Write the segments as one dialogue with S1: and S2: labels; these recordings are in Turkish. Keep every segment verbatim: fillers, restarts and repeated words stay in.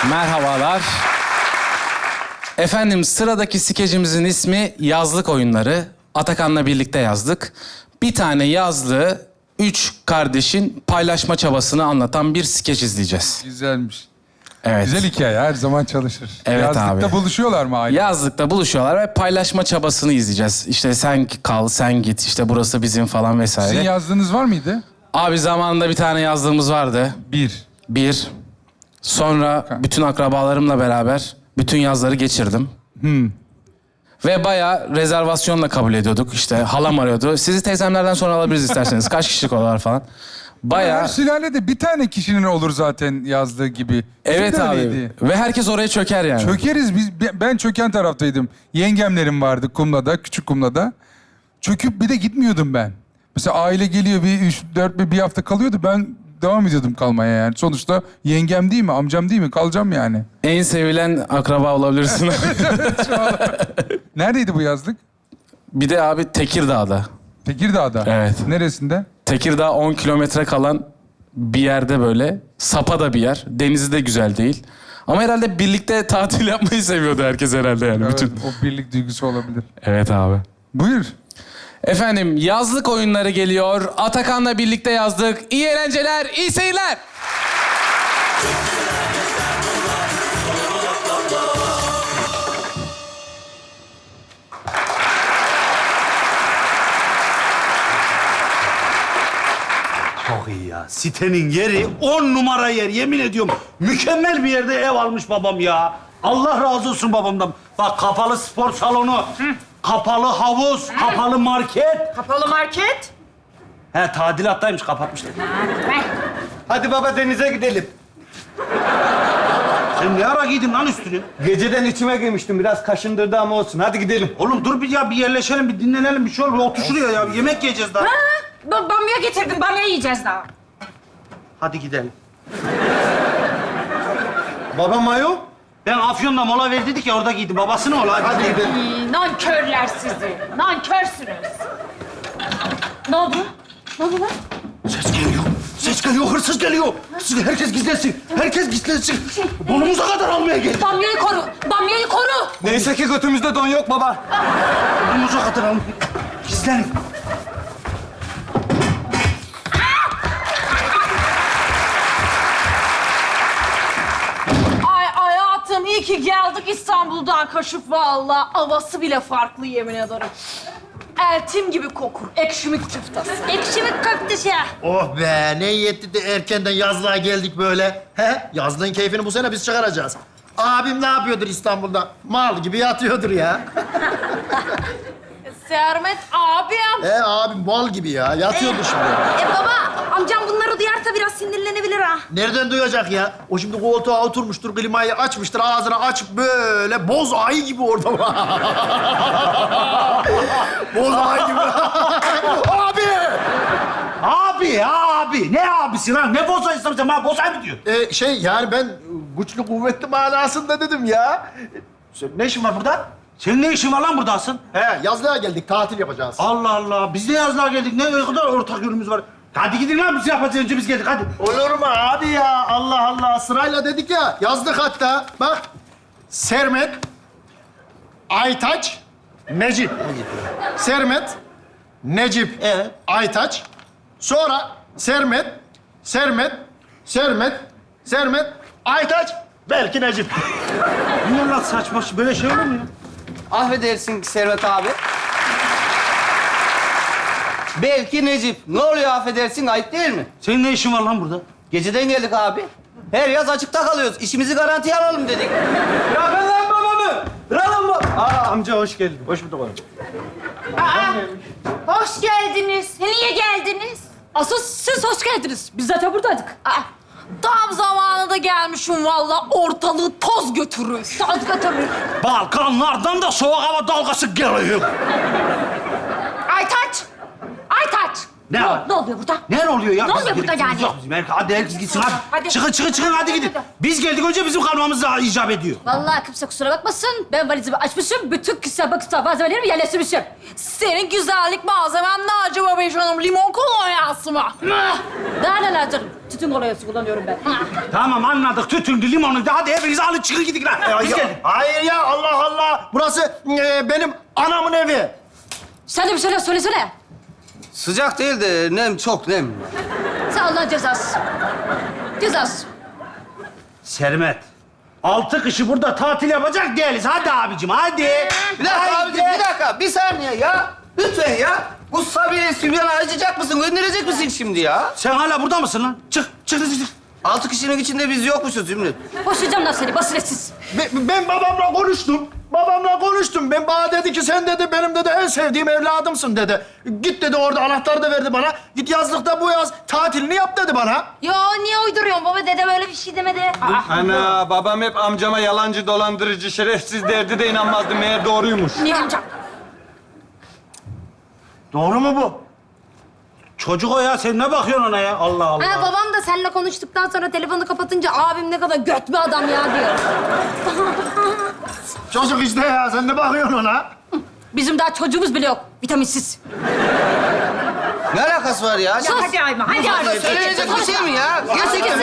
S1: Merhabalar. Efendim sıradaki skecimizin ismi Yazlık Oyunları. Atakan'la birlikte yazdık. Bir tane yazlığı üç kardeşin paylaşma çabasını anlatan bir skeç izleyeceğiz.
S2: Güzelmiş.
S1: Evet.
S2: Güzel hikaye, her zaman çalışır.
S1: Evet
S2: Yazlıkta
S1: abi.
S2: buluşuyorlar mı aile?
S1: Yazlıkta buluşuyorlar ve paylaşma çabasını izleyeceğiz. İşte sen kal, sen git, işte burası bizim falan vesaire.
S2: Sizin yazdığınız var mıydı?
S1: Abi zamanında bir tane yazdığımız vardı.
S2: Bir.
S1: Bir. Sonra bütün akrabalarımla beraber bütün yazları geçirdim.
S2: Hmm.
S1: Ve bayağı rezervasyonla kabul ediyorduk. İşte halam arıyordu. Sizi teyzemlerden sonra alabiliriz isterseniz. Kaç kişilik odalar falan. Bayağı...
S2: Her sülalede bir tane kişinin olur zaten yazdığı gibi. Bizim
S1: Evet
S2: de
S1: abi.
S2: öyleydi.
S1: Ve herkes oraya çöker yani.
S2: Çökeriz biz. Ben çöken taraftaydım. Yengemlerim vardı Kumla'da, küçük Kumla'da. Çöküp bir de gitmiyordum ben. Mesela aile geliyor bir üç, dört, bir, bir hafta kalıyordu. Ben devam ediyordum kalmaya yani. Sonuçta yengem değil mi, amcam değil mi? Kalacağım yani.
S1: En sevilen akraba olabilirsin.
S2: Neredeydi bu yazlık?
S1: Bir de abi Tekirdağ'da.
S2: Tekirdağ'da.
S1: Evet.
S2: Neresinde?
S1: Tekirdağ on kilometre kalan bir yerde böyle. Sapa da bir yer. Denizi de güzel değil. Ama herhalde birlikte tatil yapmayı seviyordu herkes herhalde yani.
S2: Evet,
S1: Bütün.
S2: o birlik duygusu olabilir.
S1: Evet abi.
S2: Buyur.
S1: Efendim yazlık oyunları geliyor. Atakan'la birlikte yazdık. İyi eğlenceler, iyi seyirler.
S3: Çok iyi ya. Sitenin yeri on numara yer. Yemin ediyorum. Mükemmel bir yerde ev almış babam ya. Allah razı olsun babamdan. Bak kapalı spor salonu, kapalı havuz, kapalı market.
S4: Kapalı market.
S3: He tadilattaymış kapatmışlar.
S4: Ver.
S5: Hadi baba denize gidelim.
S3: Sen ne ara giydin lan üstünü?
S5: Geceden içime girmiştim. Biraz kaşındırdı ama olsun. Hadi gidelim.
S3: Oğlum dur bir ya bir yerleşelim, bir dinlenelim, bir şey olur. Otur şuraya ya. Yemek yiyeceğiz daha.
S4: Ha, ba- bamya getirdim. Bamya yiyeceğiz daha.
S3: Hadi gidelim.
S5: Baba mayo.
S3: Ben Afyon'da mola ver dedik ya orada giydim. Babasını ola. Hadi,
S5: Hadi
S3: gidelim.
S5: gidelim.
S4: Ee, nankörler sizi. Nankörsünüz. Ne oldu? Ne oldu lan?
S3: Ses geliyor. Ses geliyor. Hırsız geliyor. Hırsız, herkes gizlensin. Herkes gizlensin. Donumuza kadar almaya geldi.
S4: Bamyayı koru. Bamyayı koru.
S5: Neyse ki götümüzde don yok baba.
S3: Donumuza kadar almaya Gizlenin.
S4: Ay hayatım iyi ki geldik İstanbul'dan kaşık vallahi. Havası bile farklı yemin ederim. Eltim gibi kokur. Ekşimik köftesi. Ekşimik köftesi.
S6: Oh be, ne iyi etti de erkenden yazlığa geldik böyle. He? Yazlığın keyfini bu sene biz çıkaracağız. Abim ne yapıyordur İstanbul'da? Mal gibi yatıyordur ya.
S4: Sermet abim.
S6: He abim mal gibi ya, yatıyordur şimdi.
S4: E baba amcam bunları duyarsa biraz sinirlenebilir ha.
S6: Nereden duyacak ya? O şimdi koltuğa oturmuştur, klimayı açmıştır, ağzını açıp böyle boz ayı gibi orada. Boz ayı gibi. Abi!
S3: Abi, abi. Ne abisi lan? Ne bozayısın sen? Bana bozay mı diyor?
S6: Ee, şey yani ben güçlü kuvvetli manasında dedim ya.
S3: Sen ne işin var burada? Senin ne işin var lan burada asıl?
S6: He, yazlığa geldik, tatil yapacağız.
S3: Allah Allah. Biz de yazlığa geldik. Ne kadar ortak yönümüz var. Hadi gidin lan biz yapacağız. Önce biz geldik hadi.
S6: Olur mu abi ya? Allah Allah. Sırayla dedik ya. Yazdık hatta. Bak. Sermet, Aytaç, Necip. Sermet, Necip,
S3: Evet.
S6: Aytaç. Sonra Sermet, Sermet, Sermet, Sermet, Aytaç, belki Necip.
S3: Ne lan saçma şey? Böyle şey olur mu ya?
S5: Affedersin Servet abi. Belki Necip. Ne oluyor affedersin? Ayıp değil mi?
S3: Senin ne işin var lan burada?
S5: Geceden geldik abi. Her yaz açıkta kalıyoruz. İşimizi garantiye alalım dedik. Bırakın lan babamı! Bırakın bab... Aa amca hoş geldin. Hoş bulduk oğlum.
S4: Hoş geldiniz. Niye geldiniz? Asıl siz hoş geldiniz. Biz zaten buradaydık. Aa, tam zamanında gelmişim vallahi. Ortalığı toz götürür. Toz götürür.
S3: Balkanlardan da soğuk hava dalgası geliyor.
S4: Aytaç! Aytaç!
S3: Ne var?
S4: Ne oluyor burada?
S3: Ne oluyor ya?
S4: Ne
S3: Biz
S4: oluyor burada
S3: gereksiz
S4: yani?
S3: Yok bizim. Herkes, hadi herkes gitsin hadi.
S4: Hadi.
S3: Çıkın çıkın çıkın hadi gidin.
S4: hadi.
S3: Biz geldik önce bizim kalmamız da icap ediyor.
S4: Vallahi kimse kusura bakmasın. Ben valizimi açmışım. Bütün kısa bakısa malzemelerimi yerleştirmişim. Senin güzellik malzemen ne acaba be canım? Limon kolonyası mı? Daha neler canım? Tütün kolonyası kullanıyorum ben.
S3: Tamam anladık. Tütündü, limonuydu. Hadi hepiniz alın çıkın gidin lan.
S6: Ya,
S3: Biz
S6: ya-
S3: geldik.
S6: hayır ya Allah Allah. Burası e, benim anamın evi.
S4: Sen de bir şeyler söylesene.
S5: Sıcak değil de nem çok nem.
S4: Sen Allah'ın cezası. Cezası.
S3: Sermet. Altı kışı burada tatil yapacak değiliz. Hadi abicim hadi.
S5: Bir dakika
S3: Haydi.
S5: abicim, bir dakika. Bir saniye ya. Lütfen ya. Bu Sabiha Sübyan'ı acıyacak mısın? Gönderecek misin şimdi ya?
S3: Sen hala burada mısın lan? Çık, çık, çık, çık.
S5: Altı kişinin içinde biz yokmuşuz Zümrüt.
S4: Boşayacağım lan seni basiretsiz.
S6: Ben, ben babamla konuştum. Babamla konuştum. Ben bana dedi ki sen dedi benim dedi en sevdiğim evladımsın dedi. Git dedi orada anahtarı da verdi bana. Git yazlıkta bu yaz tatilini yap dedi bana.
S4: Ya niye uyduruyorsun baba? Dede böyle bir şey demedi. Aa,
S7: Ana babam hep amcama yalancı, dolandırıcı, şerefsiz derdi de inanmazdı. Meğer doğruymuş.
S4: niye amcam?
S6: Doğru mu bu?
S3: Çocuk o ya. Sen ne bakıyorsun ona ya? Allah Allah.
S4: Ha, babam da seninle konuştuktan sonra telefonu kapatınca abim ne kadar göt bir adam ya diyor.
S6: Çocuk işte ya sen ne bakıyorsun ona?
S4: Bizim daha çocuğumuz bile yok. Vitaminsiz.
S5: Ne alakası var ya?
S4: Sus. Hadi Ayma, hadi Ayma.
S5: Söyleyecek bir şey mi ya? Gerçekten.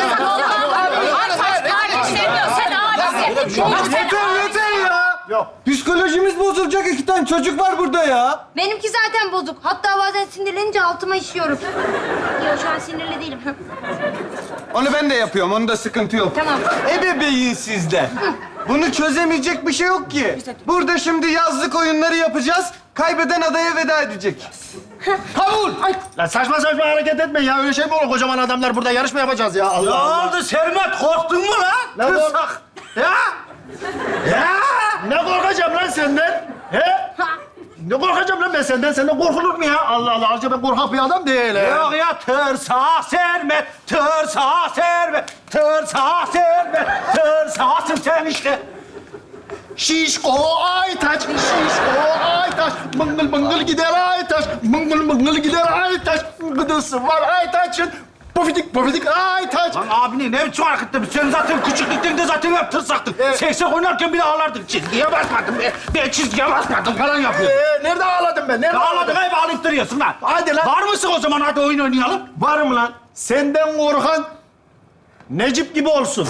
S7: Yeter yeter ya.
S6: Yok.
S7: Psikolojimiz bozulacak. İki tane çocuk var burada ya.
S4: Benimki zaten bozuk. Hatta bazen sinirlenince altıma işiyorum. Yok şu an sinirli değilim.
S7: Onu ben de yapıyorum. Onda sıkıntı yok.
S4: Tamam.
S7: Ebeveyn sizde. Bunu çözemeyecek bir şey yok ki. Burada şimdi yazlık oyunları yapacağız. Kaybeden adaya veda edecek.
S6: Kabul. Lan saçma saçma hareket etme ya. Öyle şey mi olur? Kocaman adamlar burada yarışma yapacağız ya. Allah
S3: Ne
S6: Allah.
S3: oldu Sermet? Korktun mu lan?
S6: Ne oldu?
S3: Kırsak. Ya? Ya?
S6: Ne korkacağım lan senden? He? Ne korkacağım lan ben senden? Senden korkulur mu ya? Allah Allah. Acaba ben korkak bir adam değilim.
S3: Yok ya tırsa Sermet, tırsa Sermet, tırsa Sermet, tırsasın sen işte.
S6: Şişko Aytaç, şişko Aytaç. Mıngıl mıngıl gider Aytaç, mıngıl mıngıl gider Aytaç. Gıdısı var Aytaç'ın. Pofidik pofidik Aytaç.
S3: Lan abini ne biçim hareket ettin? Sen zaten küçüklükten de zaten hep tırsaktın.
S6: Evet.
S3: Seksek oynarken bile ağlardın. Çizgiye basmadın be. Ben çizgiye basmadım falan yapıyordun.
S6: Ee, nerede ağladım ben? Nerede
S3: Ağladın hep ağlayıp duruyorsun lan.
S6: Hadi lan.
S3: Var mısın o zaman hadi oyun oynayalım.
S6: Varım lan. Senden korkan Necip gibi olsun.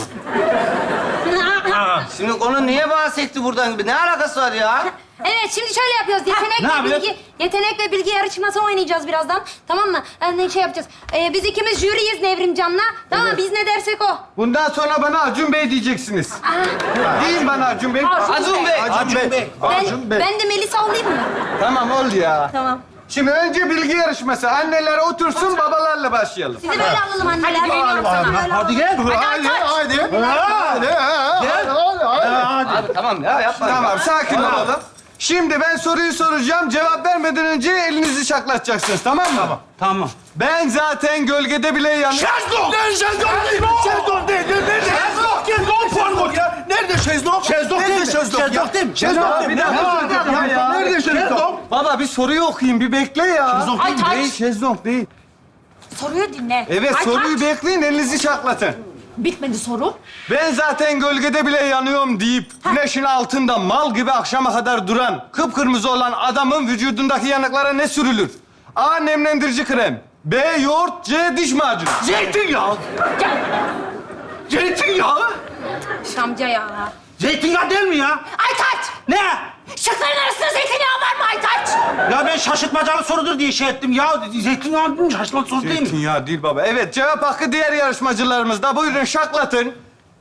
S5: Şimdi konu niye bahsetti buradan gibi? Ne alakası var ya?
S4: Evet şimdi şöyle yapıyoruz. Yetenek
S3: ne
S4: ve
S3: yapıyoruz?
S4: bilgi, yetenek ve bilgi yarışması oynayacağız birazdan. Tamam mı? Yani şey yapacağız. Ee, biz ikimiz jüriyiz Nevrimcan'la. Tamam mı? Biz ne dersek o.
S7: Bundan sonra bana Acun Bey diyeceksiniz. Deyin bana Acun Bey.
S4: Acun
S5: Acun Bey.
S6: Acun Bey.
S4: Ben,
S6: Acun Bey.
S4: ben de Melisa olayım mı?
S7: Tamam oldu ya.
S4: Tamam.
S7: Şimdi önce bilgi yarışması. Anneler otursun, babalarla başlayalım.
S4: Sizi böyle alalım anneler. Hadi, hadi,
S3: Hadi gel.
S6: Hadi, hadi. Hadi, hadi, hadi, hadi.
S5: Abi tamam ya yapma.
S7: Tamam, sakin olalım. Şimdi ben soruyu soracağım. Cevap vermeden önce elinizi şaklatacaksınız, tamam mı?
S3: Tamam.
S7: Ben zaten gölgede bile yanıyorum.
S6: Şezlong! Ne şezlong değil? Şezlong değil. Nerede? Şezlong değil. Pardon ya. Nerede şezlong? Şezlong değil mi? Şezlong değil mi? Şezlong değil mi?
S7: Bir dakika, ya.
S6: Nerede şezlong?
S7: Baba bir soruyu okuyayım, bir bekle ya.
S3: Şezlong
S4: değil mi? Ay,
S7: Değil, şezlong değil.
S4: Soruyu dinle.
S7: Evet,
S4: Ay,
S7: soruyu
S4: kaç?
S7: bekleyin, elinizi şaklatın.
S4: Bitmedi soru.
S7: Ben zaten gölgede bile yanıyorum deyip güneşin altında mal gibi akşama kadar duran, kıpkırmızı olan adamın vücudundaki yanıklara ne sürülür? A. Nemlendirici krem. B. Yoğurt. C. Diş macunu.
S3: Zeytinyağı.
S4: Gel.
S3: Zeytinyağı.
S4: Şamca ya.
S3: Zeytinyağı değil mi ya?
S4: Aytaç!
S3: Ne?
S4: Şıkların arasında zeytinyağı var mı Aytaç?
S3: Ya ben şaşırtmacalı sorudur diye şey ettim ya. Zeytinyağı değil mi? Şaşırtmacalı soru değil mi?
S7: Zeytinyağı değil baba. Evet, cevap hakkı diğer yarışmacılarımızda. Buyurun şaklatın.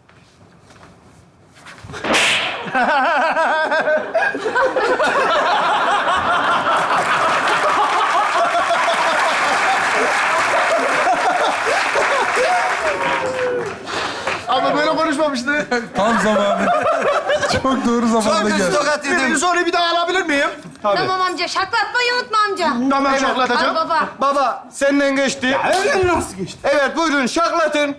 S6: Ama böyle konuşmamıştı.
S2: Tam zamanı. Çok doğru
S5: Çok
S2: zamanda
S5: kötü
S2: geldi.
S5: tokat
S6: Bir
S5: yedim.
S6: soruyu bir daha alabilir miyim?
S4: Tamam amca. Şaklatmayı unutma amca.
S6: Hemen
S4: Al
S6: şaklatacağım.
S4: baba.
S7: Baba, senden geçti.
S3: Öyle nasıl geçti?
S7: Evet, buyurun şaklatın.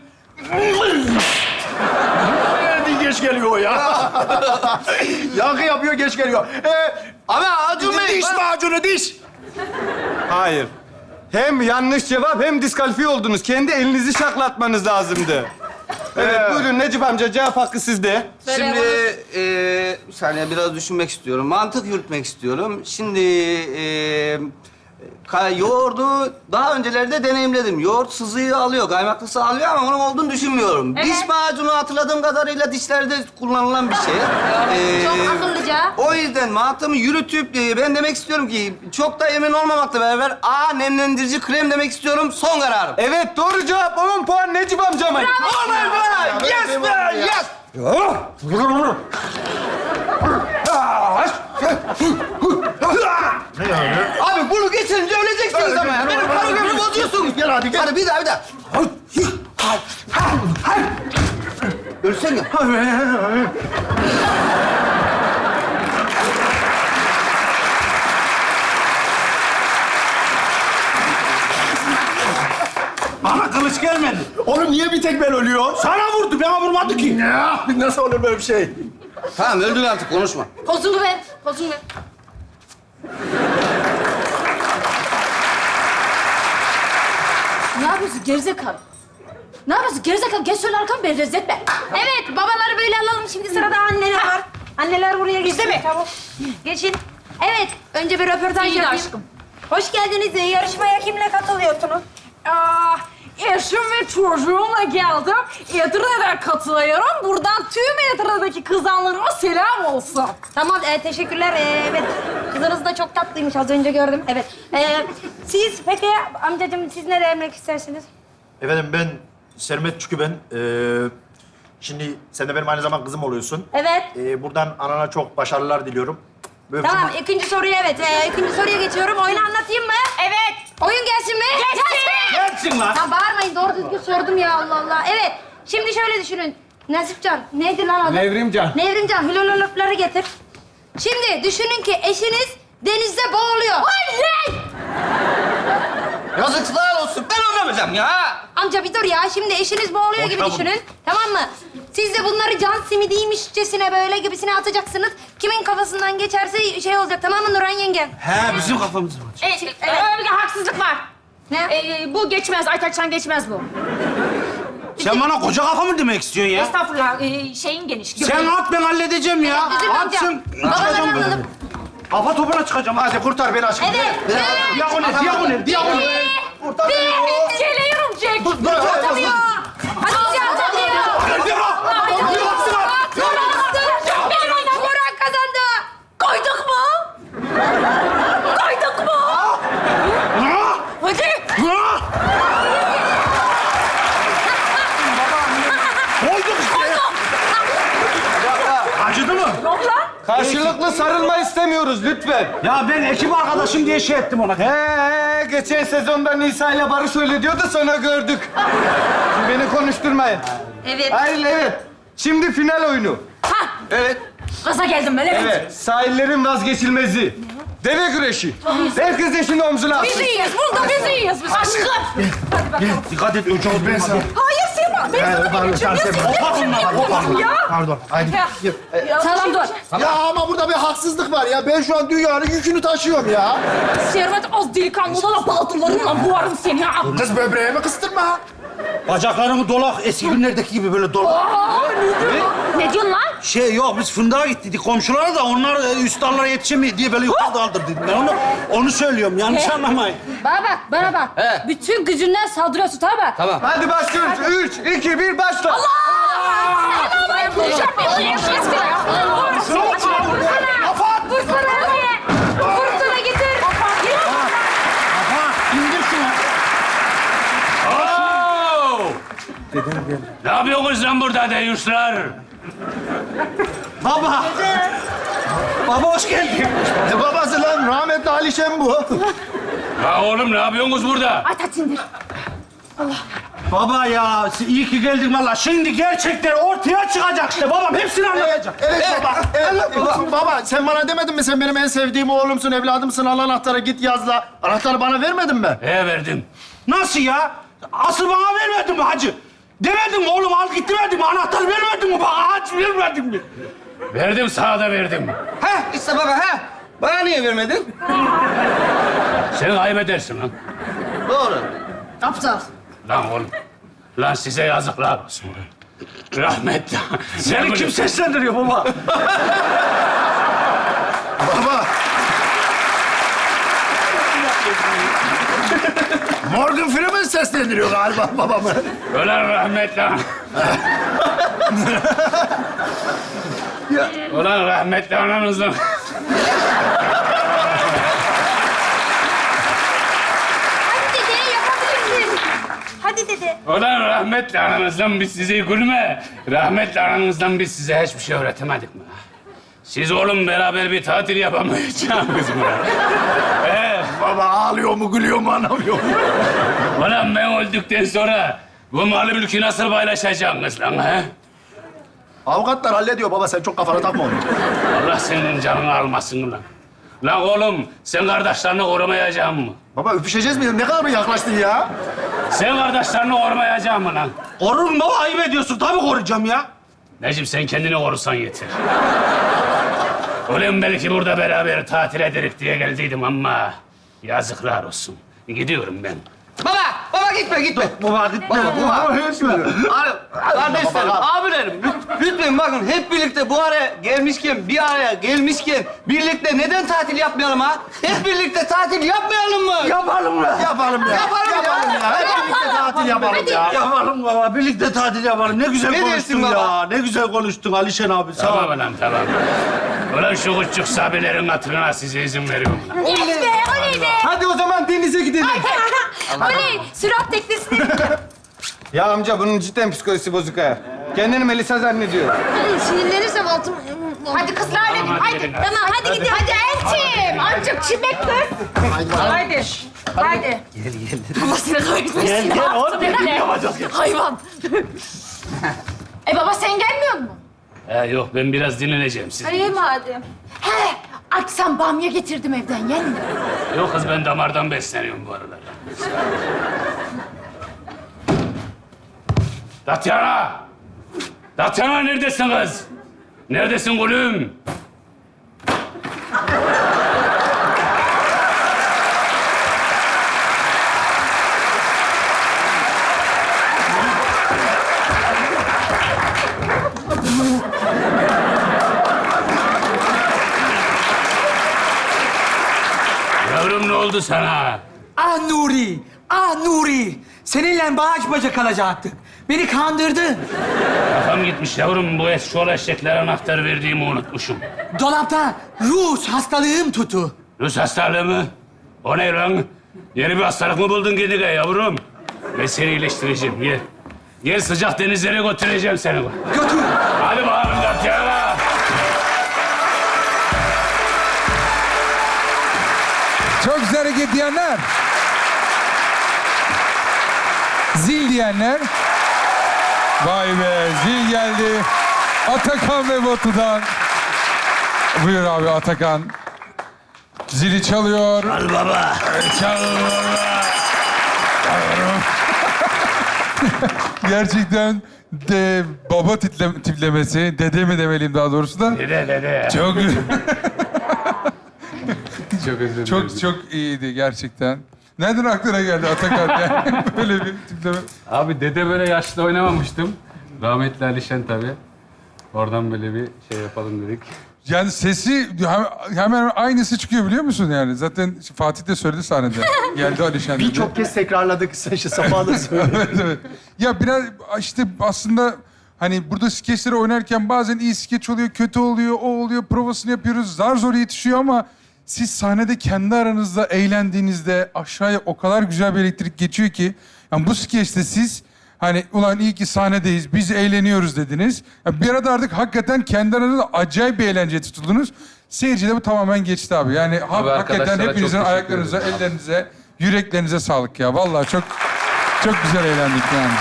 S6: Nerede geç geliyor ya? Yankı yapıyor, geç geliyor. Ee,
S5: Ama Acun Bey.
S6: diş macunu, diş.
S7: Hayır. Hem yanlış cevap hem diskalifiye oldunuz. Kendi elinizi şaklatmanız lazımdı. Evet, buyurun Necip amca, cevap hakkı sizde.
S4: Söyle
S5: Şimdi
S4: bana.
S5: eee bir saniye biraz düşünmek istiyorum. Mantık yürütmek istiyorum. Şimdi eee Ka- yoğurdu daha öncelerde deneyimledim. Yoğurt sızıyı alıyor, kaymaklısı alıyor ama onun olduğunu düşünmüyorum.
S4: Evet.
S5: Diş macunu hatırladığım kadarıyla dişlerde kullanılan bir şey. Ee,
S4: Çok akıllıca.
S5: O yüzden mantığımı yürütüp e, ben demek istiyorum ki çok da emin olmamakla beraber A nemlendirici krem demek istiyorum. Son kararım.
S7: Evet doğru cevap. on puan Necip amcama.
S5: Aman be! Yes be! Yes! Abi bunu geçirince öleceksiniz ama ya. Benim koreografi bozuyorsunuz.
S6: Gel hadi gel.
S5: Hadi bir daha bir daha. Ölsene.
S3: Bana kılıç gelmedi.
S6: Oğlum niye bir tek ben ölüyor?
S3: Sana vurdu, bana vurmadı ki.
S6: Ya nasıl olur böyle bir şey?
S5: Tamam öldün artık konuşma.
S4: Kozunu ver, kozunu ver. Ne yapıyorsun gerizekalı? Ne yapıyorsun gerizekalı? Geç şöyle arkamı beni rezil etme. Evet, babaları böyle alalım. Şimdi sırada anneler var. Anneler buraya geçsin. mi? Tamam. Geçin. Evet, önce bir röportaj
S8: İyi de
S4: yapayım.
S8: aşkım.
S4: Hoş geldiniz. Yarışmaya kimle katılıyorsunuz?
S8: Aa, eşim ve çocuğumla geldim. Edirne'den katılıyorum. Buradan tüm Edirne'deki kızanlarıma selam olsun.
S4: Tamam, e, teşekkürler. E, evet, kızınız da çok tatlıymış. Az önce gördüm. Evet. E, siz peki amcacığım, siz ne demek istersiniz?
S6: Efendim ben Sermet Çükü ben. Ee, şimdi sen de benim aynı zamanda kızım oluyorsun.
S4: Evet.
S6: Ee, buradan anana çok başarılar diliyorum. Böyle
S4: Tamam, ikinci soruya evet. E, ikinci soruya geçiyorum. Oyunu anlatayım mı? Evet. Oyun gelsin mi? Gelsin.
S3: Gelsin lan.
S4: Ya bağırmayın, doğru düzgün sordum ya, Allah Allah. Evet, şimdi şöyle düşünün. Nasipcan, neydi lan adı?
S7: Nevrimcan.
S4: Nevrimcan, hülololopları getir. Şimdi düşünün ki eşiniz denizde boğuluyor. Oley!
S5: Yazıklar olsun. Ben oynamayacağım ya.
S4: Amca bir dur ya. Şimdi eşiniz boğuluyor gibi
S3: Boşuna
S4: düşünün. Tamam mı? Siz de bunları can simidiymişçesine böyle gibisine atacaksınız. Kimin kafasından geçerse şey olacak, tamam mı Nurhan yenge?
S3: He, bizim kafamız var.
S8: Evet, evet. Bir haksızlık var.
S4: Ne?
S8: Ee, bu geçmez, Aytaç'tan geçmez bu.
S3: Sen bana koca kafa mı demek istiyorsun ya?
S8: Estağfurullah, ee, şeyin geniş.
S3: Sen at, ben halledeceğim ya.
S4: Üzülme amca.
S3: Atsın.
S4: Babaları
S3: Çıkacağım ben.
S4: alalım.
S3: Kafa topuna çıkacağım. Hadi.
S6: hadi kurtar beni aşkım.
S4: Evet. Evet.
S3: Diagonal, diagonal, diagonal.
S6: Kurtar beni.
S8: Bir geliyorum Jack.
S6: Dur, dur, dur.
S4: Atamıyor. Hatice atamıyor.
S3: Hadi bak.
S4: Benim Burak kazandı. Koyduk mu? Koyduk mu? Hadi.
S3: Koyduk işte. Acıdı mı?
S7: Karşılıklı sarılma istemiyoruz lütfen.
S3: Ya ben ekip arkadaşım diye şey ettim ona.
S7: He, geçen sezonda Nisa ile Barış öyle diyordu, sonra gördük. Şimdi beni konuşturmayın.
S4: Evet.
S7: Hayır, evet. Şimdi final oyunu.
S8: Ha,
S5: Evet.
S8: gaza geldim ben, evet.
S7: Evet, sahillerin vazgeçilmezi. Deve güreşi. Herkes eşini omzuna
S8: Biz
S7: atsın.
S8: iyiyiz, burada biz iyiyiz biz aşkım.
S3: Dikkat et, önce ben sana.
S8: Hayır Sema, ben sana geçeceğim. Ya sen ne yapıyorsun ya?
S6: Pardon. Haydi.
S8: Ya, Tamam dur.
S6: Ya ama burada bir haksızlık var ya. Ben şu an dünyanın yükünü taşıyorum ya.
S8: Servet az delikanlı da baldırlarımla boğarım seni ha.
S6: Kız böbreğimi kıstırma.
S3: Bacaklarımı dolak, eski günlerdeki gibi böyle dolak.
S8: Ne diyorsun lan?
S3: Şey yok, biz fındığa gittik komşulara da onlar e, üst dallara yetişemiyor diye böyle yukarıda kaldırdık. Ben onu, onu söylüyorum, yanlış anlamayın.
S4: Bana bak, bana bak.
S5: He.
S4: Bütün gücünden saldırıyorsun, tamam mı?
S5: Tamam.
S7: Hadi başlıyoruz. Üç, iki, bir, başla.
S4: Vursana getir.
S3: İndir şunu.
S9: Ne yapıyorsunuz lan burada deyuşlar?
S3: Baba. Baba hoş geldin.
S6: Ne babası lan? Rahmetli Alişen bu.
S9: Ya oğlum ne yapıyorsunuz burada?
S4: Ay taç indir.
S3: Baba ya, iyi ki geldin valla. Şimdi gerçekler ortaya çıkacak işte. Babam hepsini anlayacak.
S6: Evet baba. Evet baba. Baba sen bana demedin mi? Sen benim en sevdiğim oğlumsun, evladımsın. Al anahtarı git yazla. Anahtarı bana vermedin mi?
S9: He verdim.
S3: Nasıl ya? Asıl bana vermedin mi hacı? Demedin mi oğlum, al git demedin mi? Anahtar vermedin mi? Bana hac vermedin mi?
S9: Verdim sana da verdim.
S5: Heh, işte baba, heh. Bana niye vermedin?
S9: Sen kaybedersin lan.
S5: Doğru.
S4: Aptal.
S9: Lan oğlum. Lan size yazıklar olsun. Rahmetli.
S3: Seni kim seslendiriyor baba?
S6: Baba. Morgan Freeman seslendiriyor galiba babamı.
S9: Ulan rahmetli ana. Ulan rahmetli anamızdan.
S4: Hadi dede yapabilirsin. Hadi dede.
S9: Ulan rahmetli anamızdan biz size gülme. Rahmetli anamızdan biz size hiçbir şey öğretemedik mi? Siz oğlum beraber bir tatil yapamayacağınız mı? Ee,
S6: Baba ağlıyor mu, gülüyor mu anlamıyor mu?
S9: ulan ben öldükten sonra bu malı mülkü nasıl paylaşacaksınız lan ha?
S6: Avukatlar hallediyor baba, sen çok kafana takma onu.
S9: Allah senin canını almasın lan. Lan oğlum sen kardeşlerini korumayacaksın mı?
S6: Baba öpüşeceğiz mi? Ne kadar mı yaklaştın ya?
S9: Sen kardeşlerini korumayacaksın mı lan?
S3: Korurum baba, ayıp ediyorsun. Tabii koruyacağım ya.
S9: Necip sen kendini korusan yeter. Ulan belki burada beraber tatil ederek diye geldiydim ama yazıklar olsun. Gidiyorum ben.
S5: Baba, baba gitme, gitme.
S3: Baba gitme.
S5: Baba, baba. Abi, kardeşlerim, abilerim, lüt- lütfen bakın hep birlikte bu araya gelmişken, bir araya gelmişken birlikte neden tatil yapmayalım ha? Hep birlikte tatil yapmayalım mı?
S3: Yapalım mı?
S6: Yapalım ya.
S5: Yapalım ya.
S6: Yapalım ya. Hep birlikte tatil yapalım ya.
S3: Yapalım baba. Birlikte tatil yapalım. Ne güzel
S5: Ne
S3: konuştun
S5: dersin
S3: ya.
S5: baba?
S3: Ne güzel konuştun Alişen abi. Sağ ol.
S9: Tamam lan tamam. Ulan şu küçük sabilerin hatırına size izin veriyorum lan.
S4: Yes be, oley be.
S7: Hadi o zaman denize gidelim.
S4: Oley, sürat teknesine bineceğim.
S7: Ya amca bunun cidden psikolojisi bozuk ha. Kendini Melisa zannediyor.
S4: Sinirlenirsem altım... Hadi kızlar dedim,
S9: Tamam,
S4: hadi.
S9: hadi gelin.
S4: Tamam, hadi gidelim. Hadi Elçim, azıcık çimek kız.
S8: Haydi. Haydi.
S4: Allah seni kahretmesin.
S3: Gel, gel,
S4: Ya,
S3: oğlum,
S4: ne?
S3: birlikte yapacağız, gel.
S4: Hayvan. E baba sen gelmiyor musun?
S9: He, yok ben biraz dinleneceğim siz.
S4: İyi madem. He, akşam bamya getirdim evden, yen mi?
S9: Yok kız ben damardan besleniyorum bu aralar. Tatyana! Tatyana neredesin kız? Neredesin gülüm? Yavrum ne oldu sana?
S10: Ah Nuri, ah Nuri. Seninle bağış bacak kalacaktık. Beni kandırdın.
S9: Kafam gitmiş yavrum. Bu eşşoğlu eşeklere anahtar verdiğimi unutmuşum.
S10: Dolapta Rus hastalığım tutu.
S9: Rus hastalığı mı? O ne lan? Yeni bir hastalık mı buldun kendine yavrum? Ben seni iyileştireceğim. Gel. Gel sıcak denizlere götüreceğim seni.
S10: Götür.
S9: Hadi bakalım Tatyana.
S2: Çok güzel hareket diyenler. Zil diyenler. Vay be, zil geldi. Atakan ve Batu'dan. Buyur abi Atakan. Zili çalıyor.
S3: Al baba.
S2: Çal baba. Gerçekten de baba tiple, tiplemesi, dede mi demeliyim daha doğrusu da.
S9: Dede dede.
S2: Çok
S1: Çok özür dilerim.
S2: çok çok iyiydi gerçekten. Nereden aklına geldi Atakan yani böyle bir tipleme?
S1: Abi dede böyle yaşlı oynamamıştım. Rahmetli Alişen tabii. Oradan böyle bir şey yapalım dedik.
S2: Yani sesi hem- hemen aynısı çıkıyor biliyor musun yani? Zaten Fatih de söyledi sahnede. Geldi Alişen dedi.
S6: Birçok kez tekrarladık. Sen işte Safa da söyledi.
S2: Evet, evet. Ya biraz işte aslında hani burada skeçleri oynarken bazen iyi skeç oluyor, kötü oluyor, o oluyor, provasını yapıyoruz. Zar zor yetişiyor ama siz sahnede kendi aranızda eğlendiğinizde aşağıya o kadar güzel bir elektrik geçiyor ki yani bu skeçte siz hani ulan iyi ki sahnedeyiz, biz eğleniyoruz dediniz. Ya bir arada artık hakikaten kendi aranızda acayip bir eğlenceye tutuldunuz. Seyircide bu tamamen geçti abi. Yani ha-
S1: Abi
S2: hakikaten
S1: arkadaşlara
S2: hepinizin
S1: çok teşekkür
S2: ayaklarınıza,
S1: ederim.
S2: ellerinize, yüreklerinize sağlık ya. Vallahi çok çok güzel eğlendik yani.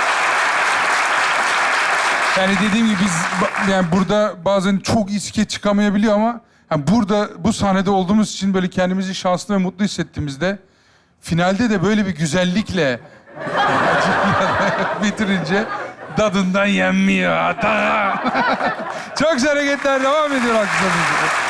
S2: Yani dediğim gibi biz ba- yani burada bazen çok iyi skeç çıkamayabiliyor ama yani burada bu sahnede olduğumuz için böyle kendimizi şanslı ve mutlu hissettiğimizde finalde de böyle bir güzellikle bitirince dadından yenmiyor. Ata. Çok güzel hareketler devam ediyor arkadaşlar.